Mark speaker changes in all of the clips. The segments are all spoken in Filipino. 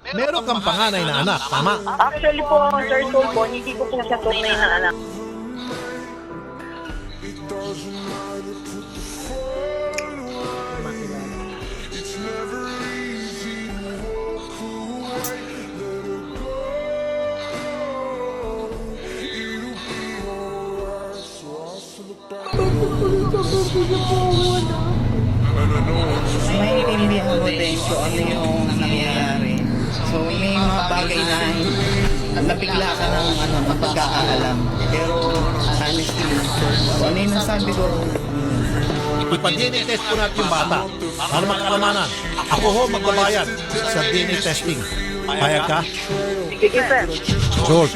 Speaker 1: Meron kang panganay na anak, tama?
Speaker 2: Actually po, Sir Tulfo, hindi ko po siya tunay na anak.
Speaker 3: Naiintindihan ko din kung ano yung nangyayari. So may mga bagay na nabigla ka ng pagkakaalam. Pero honestly, ano yung nasabi ko,
Speaker 1: Ipa-DNA test po natin yung bata para magkalamanan. Ako ho magbabayad sa DNA testing. Payag ka?
Speaker 2: Sige, sir.
Speaker 1: George,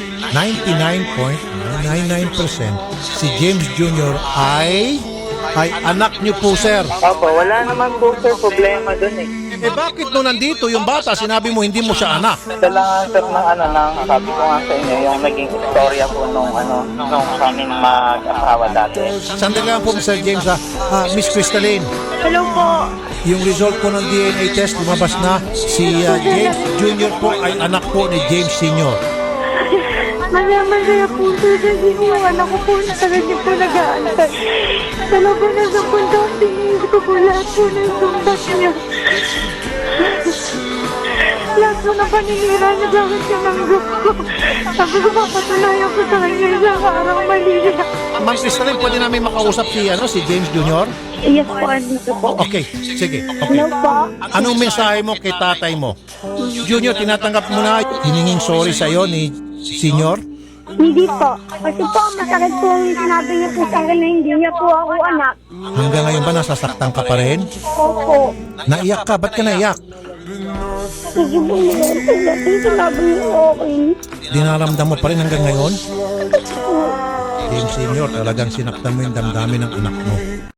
Speaker 1: 99.99% si James Jr. ay anak niyo po, sir.
Speaker 2: Opo, wala naman po, sir, problema dun eh.
Speaker 1: Eh bakit nung nandito yung bata, sinabi mo hindi mo siya anak?
Speaker 2: Ito lang, sir, ng sabi ko nga sa inyo, yung naging istorya po nung kaming mag-asawa dati.
Speaker 1: Sandali lang po, Mr. James, Miss Crystalline.
Speaker 2: Hello po.
Speaker 1: Yung result po ng DNA test, lumabas na si James Jr. po ay anak po ni James Sr.
Speaker 4: Masaya po sir kasi yung anak ko po sa kanya po nag-aantay. Talaga na sa punto, tingin ko po lahat po ng sundas niya. Lahat po na paninira niya sa akin tinanggap ko. Sabi ko papatunayan ko sa kanya isang araw mali niya.
Speaker 1: Ma'am Crystalline, pwede namin makausap si James Jr.?
Speaker 4: Yes po, andito po.
Speaker 1: Okay, sige. Okay.
Speaker 4: Hello po.
Speaker 1: Anong mensahe mo kay tatay mo? Junior, tinatanggap mo na hiningin sorry sa'yo ni Senior?
Speaker 4: Hindi po. Kasi po, masakit po yung sinabi niya po sa akin na hindi niya po ako anak.
Speaker 1: Hanggang ngayon ba nasasaktan ka pa rin?
Speaker 4: Opo.
Speaker 1: Naiyak ka? Ba't ka naiyak?
Speaker 4: Kasi po, sinabi niya okay.
Speaker 1: Dinaramdam mo pa rin hanggang ngayon? James Senior, talagang sinaktan mo yung damdamin ng anak mo.